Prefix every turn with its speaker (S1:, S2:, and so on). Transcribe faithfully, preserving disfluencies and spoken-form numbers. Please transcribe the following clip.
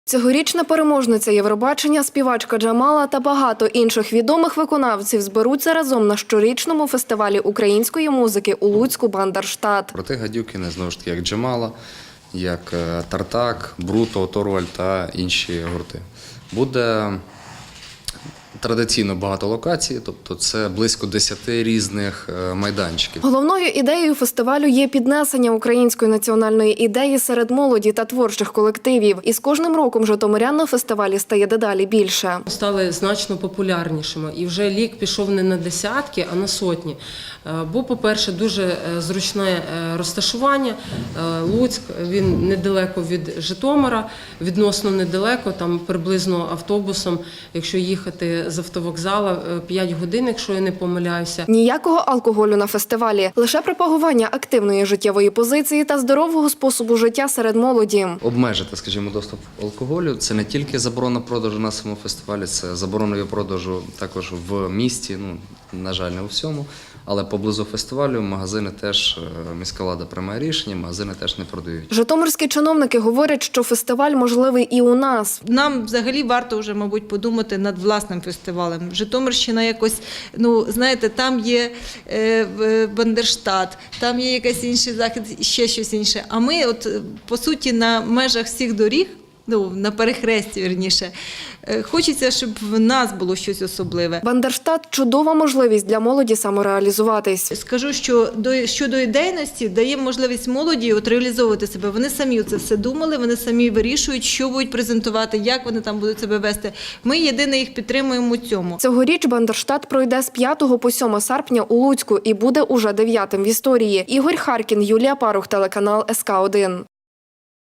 S1: Цьогорічна переможниця Євробачення, співачка Джамала та багато інших відомих виконавців зберуться разом на щорічному фестивалі української музики у Луцьку «Бандерштат».
S2: Проти гадюкіни, знову ж таки, як Джамала, як Тартак, Бруто, Оторваль та інші гурти. Буде традиційно багато локацій, тобто це близько десяти різних майданчиків.
S1: Головною ідеєю фестивалю є піднесення української національної ідеї серед молоді та творчих колективів. І з кожним роком житомирян на фестивалі стає дедалі більше.
S3: Стали значно популярнішими. І вже лік пішов не на десятки, а на сотні. Бо, по-перше, дуже зручне розташування. Луцьк, він недалеко від Житомира, відносно недалеко, там приблизно автобусом, якщо їхати з автовокзала, п'ять годин, якщо я не помиляюся.
S1: Ніякого алкоголю на фестивалі, лише пропагування активної життєвої позиції та здорового способу життя серед молоді.
S2: Обмежити, скажімо, доступ алкоголю – це не тільки заборона продажу на самому фестивалі, це заборона його продажу також в місті, ну, на жаль, не у всьому. Але поблизу фестивалю магазини теж, міська влада приймає рішення, магазини теж не продають.
S1: Житомирські чиновники говорять, що фестиваль можливий і у нас.
S4: Нам взагалі варто вже, мабуть, подумати над власним фестивалем. Житомирщина якось, ну, знаєте, там є е, Бандерштат, там є якийсь інший захід, ще щось інше. А ми, от, по суті, на межах всіх доріг, ну, на перехресті, вірніше, хочеться, щоб в нас було щось особливе.
S1: Бандерштат – чудова можливість для молоді самореалізуватись.
S4: Скажу, що до, щодо ідейності дає можливість молоді от реалізовувати себе. Вони самі це все думали, вони самі вирішують, що будуть презентувати, як вони там будуть себе вести. Ми єдине їх підтримуємо у цьому.
S1: Цьогоріч Бандерштат пройде з п'ятого по сьоме серпня у Луцьку і буде уже дев'ятим в історії. Ігор Харкін, Юлія Парух, телеканал ес ка один.